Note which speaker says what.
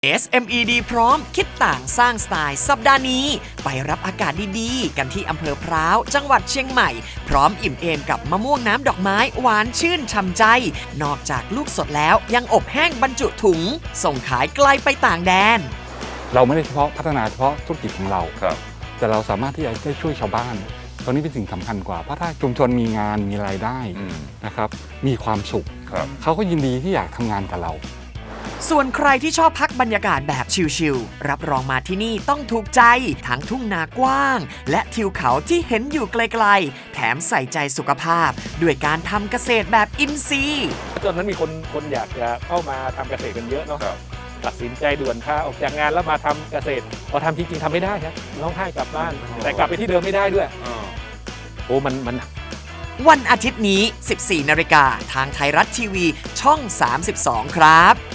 Speaker 1: SMED พร้อมคิดต่างสร้างสไตล์สัปดาห์นี้ไปรับอากาศดีๆ กันที่อำเภอพร้าวจังหวัดเชียงใหม่พร้อมอิ่มเอมกับมะม่วงน้ำดอกไม้หวานชื่นช่ำใจนอกจากลูกสดแล้วยังอบแห้งบรรจุถุงส่งขายไกลไปต่างแดน
Speaker 2: เราไม่ได้เฉพาะพัฒนาเฉพาะธุรกิจของเรา
Speaker 3: ครับ
Speaker 2: แต่เราสามารถที่จะได้ช่วยชาวบ้านตรงนี้เป็นสิ่งสำคัญกว่าเพราะถ้าชุมชนมีงานมีรายได้นะครับมีความสุข
Speaker 3: ครับ
Speaker 2: เขาก็ยินดีที่อยากทำงานกับเรา
Speaker 1: ส่วนใครที่ชอบพักบรรยากาศแบบชิลๆรับรองมาที่นี่ต้องถูกใจทั้งทุ่งนากว้างและทิวเขาที่เห็นอยู่ไกลๆแถมใส่ใจสุขภาพด้วยการทำเกษตรแบบอินทรีย์
Speaker 4: ตอนนั้นมีคนอยากจะเข้ามาทำเกษตรกันเยอะเนาะตัดสินใจด่วนค่ะออกจากงานแล้วมาทำเกษตรพอทำจริงๆทำไม่ได้ครับร้องไห้กลับบ้าน แต่กลับไปที่เดิมไม่ได้ด้วยโอ้มัน
Speaker 1: วันอาทิตย์นี้ 14 นาฬิกาทางไทยรัฐทีวีช่อง 32 ครับ